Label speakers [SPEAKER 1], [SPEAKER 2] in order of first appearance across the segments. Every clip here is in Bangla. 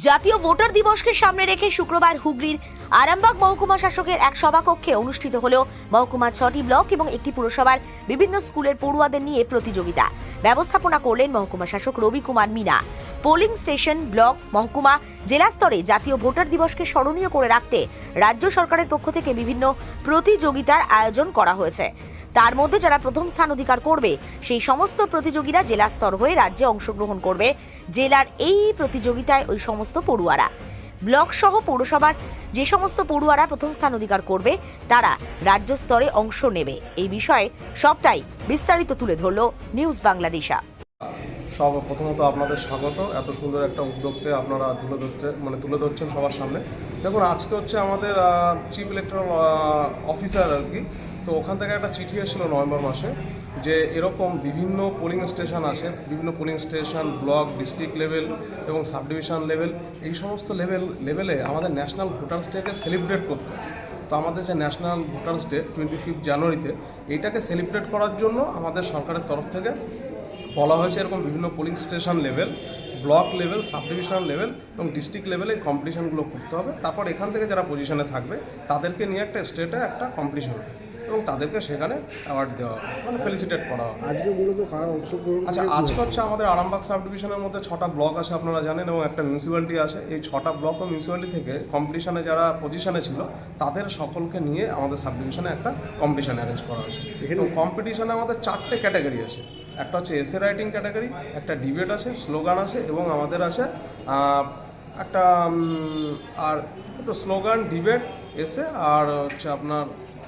[SPEAKER 1] জাতীয় ভোটার দিবসকে সামনে রেখে শুক্রবার হুগলির আরামবাগ মহকুমা শাসকের এক সভাকক্ষে অনুষ্ঠিত হল মহকুমার 6টি ব্লক এবং একটি পুরসভার বিভিন্ন স্কুলের পড়ুয়াদের নিয়ে প্রতিযোগিতা। ব্যবস্থাপনা করলেন মহকুমা শাসক Ravi Kumar Meena. Polling station, block, মহকুমা, জেলা স্তরে জাতীয় ভোটার দিবসকে স্মরণীয় করে রাখতে রাজ্য সরকারের পক্ষ থেকে বিভিন্ন প্রতিযোগিতার আয়োজন করা হয়েছে। তার মধ্যে যারা প্রথম স্থান অধিকার করবে সেই সমস্ত প্রতিযোগীরা জেলা স্তর হয়ে রাজ্যে অংশগ্রহণ করবে। জেলার এই প্রতিযোগিতায় ওই সমস্ত পড়ুয়ারা, ব্লক সহ পৌরসভার যে সমস্ত পড়ুয়ারা প্রথম স্থান অধিকার করবে তারা রাজ্য স্তরে অংশ নেবে। এই বিষয়ে সবটাই বিস্তারিত তুলে ধরল নিউজ বাংলাদেশা।
[SPEAKER 2] প্রথমত আপনাদের স্বাগত। এত সুন্দর একটা উদ্যোগকে আপনারা তুলে ধরছেন সবার সামনে। দেখুন, আজকে হচ্ছে আমাদের চিফ ইলেকটরাল অফিসার আর কি, তো ওখান থেকে একটা চিঠি এসেছিলো নভেম্বর মাসে যে এরকম বিভিন্ন পোলিং স্টেশন আছে, বিভিন্ন polling station, block, district level এবং সাব ডিভিশন লেভেল, এই সমস্ত লেভেলে আমাদের ন্যাশনাল ভোটার্স ডেকে সেলিব্রেট করতে হয়। তো আমাদের যে ন্যাশনাল ভোটার্স ডে 25 জানুয়ারিতে, এইটাকে সেলিব্রেট করার জন্য আমাদের সরকারের তরফ থেকে বলা হয়েছে এরকম বিভিন্ন polling station level, block level, sub division level এবং ডিস্ট্রিক্ট লেভেলে কম্পিটিশনগুলো করতে হবে। তারপর এখান থেকে যারা পজিশনে থাকবে তাদেরকে নিয়ে একটা স্টেটে একটা কম্পিটিশন হবে এবং তাদেরকে সেখানে অ্যাওয়ার্ড দেওয়া হবে, মানে ফেলিসিটেট করা হবে।
[SPEAKER 3] আজকে মূলত কারা অংশগ্রহণ?
[SPEAKER 2] আচ্ছা, আজকে হচ্ছে আমাদের আরামবাগ সাব ডিভিশনের মধ্যে 6টা ব্লক আছে আপনারা জানেন, এবং একটা মিউনিসিপ্যালিটি আছে। এই 6টা ব্লক ও মিউনিসিপ্যালিটি থেকে কম্পিটিশনে যারা পজিশনে ছিল তাদের সকলকে নিয়ে আমাদের সাব ডিভিশনে একটা কম্পিটিশন অ্যারেঞ্জ করা হয়েছে। এখানে কম্পিটিশনে আমাদের 4টে ক্যাটাগরি আছে। একটা হচ্ছে এসে রাইটিং ক্যাটাগরি, একটা ডিবেট আছে, স্লোগান আছে এবং আমাদের আছে একটা আর তো স্লোগান, ডিবেট, এসে আর হচ্ছে আপনার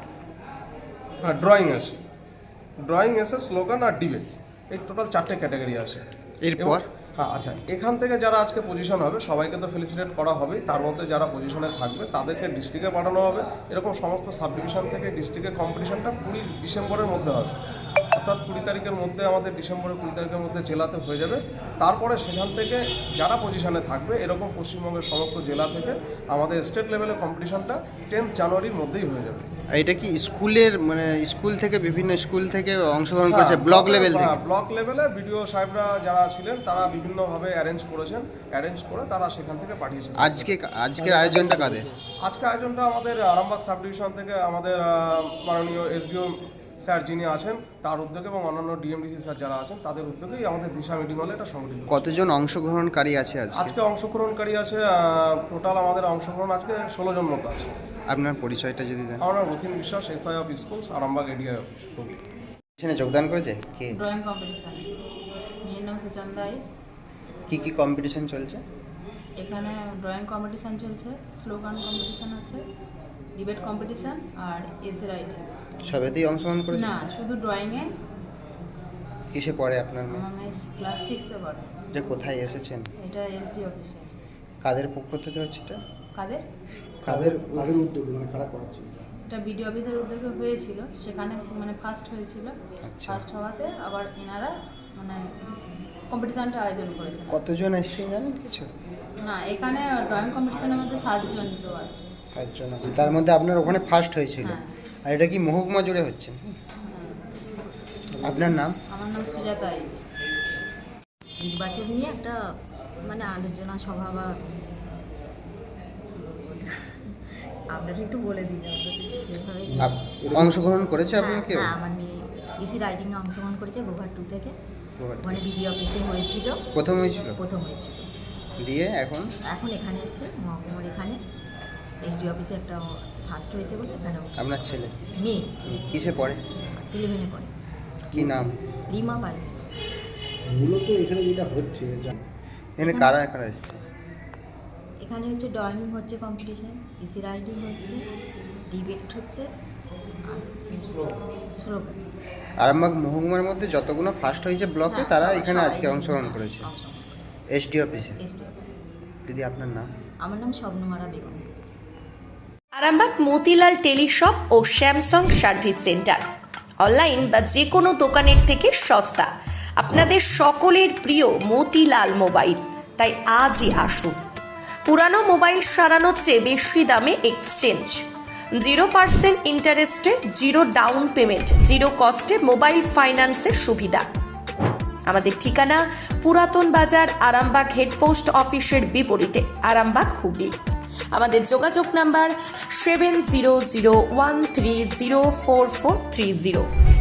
[SPEAKER 2] ড্রয়িং আছে। ড্রয়িং, এসে, স্লোগান আর ডিবেট, এই টোটাল 4টে ক্যাটাগরি আছে।
[SPEAKER 3] এরপর
[SPEAKER 2] আচ্ছা, এখান থেকে যারা আজকে পজিশন হবে সবাইকে তো ফেলিসিটেট করা হবে। তার মধ্যে যারা পজিশনে থাকবে তাদেরকে ডিস্ট্রিক্টে পাঠানো হবে। এরকম সমস্ত সাব ডিভিশন থেকে ডিস্ট্রিক্টে কম্পিটিশনটা 20 ডিসেম্বরের মধ্যে হবে, অর্থাৎ 20 তারিখের মধ্যে আমাদের ডিসেম্বরের 20 তারিখের মধ্যে জেলাতে হয়ে যাবে। তারপরে সেখান থেকে যারা পজিশনে থাকবে এরকম পশ্চিমবঙ্গের সমস্ত জেলা থেকে আমাদের স্টেট লেভেলে কম্পিটিশনটা 10 জানুয়ারির মধ্যেই হয়ে যাবে।
[SPEAKER 3] এটা কি স্কুলের, মানে স্কুল থেকে, বিভিন্ন স্কুল থেকে অংশগ্রহণ করেছে? ব্লক লেভেল থেকে?
[SPEAKER 2] ব্লক লেভেলে বিডিও সাহেবরা যারা ছিলেন তারা বিভিন্নভাবে অ্যারেঞ্জ করে তারা সেখান থেকে পাঠিয়েছেন।
[SPEAKER 3] আজকের আয়োজনটা কাদের?
[SPEAKER 2] আজকে আয়োজনটা আমাদের আরামবাগ সাব ডিভিশন থেকে আমাদের মাননীয় এসডিও স্যার যিনি আছেন তার উদ্যোগে এবং অন্যান্য ডিএমডিসি স্যার যারা আছেন তাদের উদ্যোগেই আমাদের দিশা মিটিং হলে এটা সংগঠিত।
[SPEAKER 3] কতজন অংশগ্রহণকারী আছে
[SPEAKER 2] আজকে অংশগ্রহণকারী আছে টোটাল আমাদের অংশগ্রহণ আজকে 16 জন মতো আছে।
[SPEAKER 3] আপনার পরিচয়টা যদি দেন।
[SPEAKER 2] আমরা Rathin Biswas, SI of schools, Arambagh ADI office.
[SPEAKER 3] এখানে যোগদান করেছে কে?
[SPEAKER 4] Drawing competition. মেয়ের নাম সুচন্দা আইচ।
[SPEAKER 3] কি কম্পিটিশন চলছে
[SPEAKER 4] এখানে? ড্রয়িং কম্পিটিশন চলছে, স্লোগান কম্পিটিশন আছে, ডিবেট কম্পিটিশন আর এসে রাইটিং।
[SPEAKER 3] সবেতেই অংশগ্রহণ করেছে?
[SPEAKER 4] না, শুধু ড্রয়িংয়ে।
[SPEAKER 3] কিসে পড়ে আপনার মেয়ে?
[SPEAKER 4] আমার মেয়ে ক্লাস 6-এ পড়ে।
[SPEAKER 3] যে কোথায় এসেছেন?
[SPEAKER 4] এটা এসডি অফিসে।
[SPEAKER 3] কাদের পক্ষ থেকে হচ্ছে এটা?
[SPEAKER 4] কাদের
[SPEAKER 3] উদ্যোগে, মানে কারা করাচ্ছে?
[SPEAKER 4] এটা বিডি অফিসের উদ্যোগে হয়েছিল, সেখানে মানে ফার্স্ট হয়েছিল।
[SPEAKER 3] আচ্ছা।
[SPEAKER 4] ফার্স্ট হওয়াতে আবার এনারা মানে কম্পিটিশনটা আয়োজন করেছেন।
[SPEAKER 3] কতজন এসছে জানেন কিছু?
[SPEAKER 4] না, এখানে ড্রয়িং কম্পিটিশনের মধ্যে 7 জন তো আছে।
[SPEAKER 3] 5 জন আছে, তার মধ্যে আপনার ওখানে ফার্স্ট হয়েছিল।
[SPEAKER 4] হ্যাঁ।
[SPEAKER 3] আর এটা কি মহকুমা জুড়ে হচ্ছে? আপনার নাম?
[SPEAKER 4] আমার নাম সুজাতা আইচ।
[SPEAKER 5] নির্বাচন নিয়ে একটা মানে আলোচনা সভা বা আপনারা একটু বলে দিন।
[SPEAKER 3] অংশগ্রহণ করেছে আপনি কেউ?
[SPEAKER 5] হ্যাঁ, আমার মেয়ে ইসি রাইটিংয়ে অংশগ্রহণ করেছে গোঘাট 2 থেকে। মানে বিডি অফিসে হয়েছিল,
[SPEAKER 3] প্রথম হয়েছিল। দিয়ে এখন
[SPEAKER 5] এখানে এসছে মহকুমার এখানে এসডি অফিসে একটা ফার্স্ট হয়েছে বলে এখানে।
[SPEAKER 3] আপনার ছেলে
[SPEAKER 5] মেয়ে
[SPEAKER 3] কিসে পড়ে?
[SPEAKER 5] 11-এ পড়ে।
[SPEAKER 3] কি নাম?
[SPEAKER 5] রিমা পাল।
[SPEAKER 3] মূলত এখানে যেটা হচ্ছে, এখানে কারা এসছে?
[SPEAKER 5] এখানে হচ্ছে ড্রয়িং হচ্ছে কম্পিটিশন, ইসি রাইটিং হচ্ছে, ডিবেট হচ্ছে আর হচ্ছে স্লোগান।
[SPEAKER 3] আরামবাগ মহকুমার মধ্যে যতগুলো ফার্স্ট হয়েছে ব্লকে তারা এখানে আজকে অংশগ্রহণ করেছে এসডি অফিসে। দিদি, আপনার নাম?
[SPEAKER 5] আমার নাম স্বপ্নমারা বেগম।
[SPEAKER 1] আরামবাগ মতিলাল টেলিশপ ও স্যামসাং সার্ভিস সেন্টার অনলাইন বা যে কোনো দোকানের থেকে সস্তা। আপনাদের সকলের প্রিয় মতিলাল মোবাইল, তাই আজই আসুন। পুরানো মোবাইল সারানোর চেয়ে বেশি দামে এক্সচেঞ্জ, 0% ইন্টারেস্টে, 0 ডাউন পেমেন্ট, 0 কস্টে মোবাইল ফাইন্যান্সের সুবিধা। আমাদের ঠিকানা পুরাতন বাজার, আরামবাগ হেডপোস্ট অফিসের বিপরীতে, আরামবাগ, হুগলি। আমাদের যোগাযোগ নাম্বার 7001304430।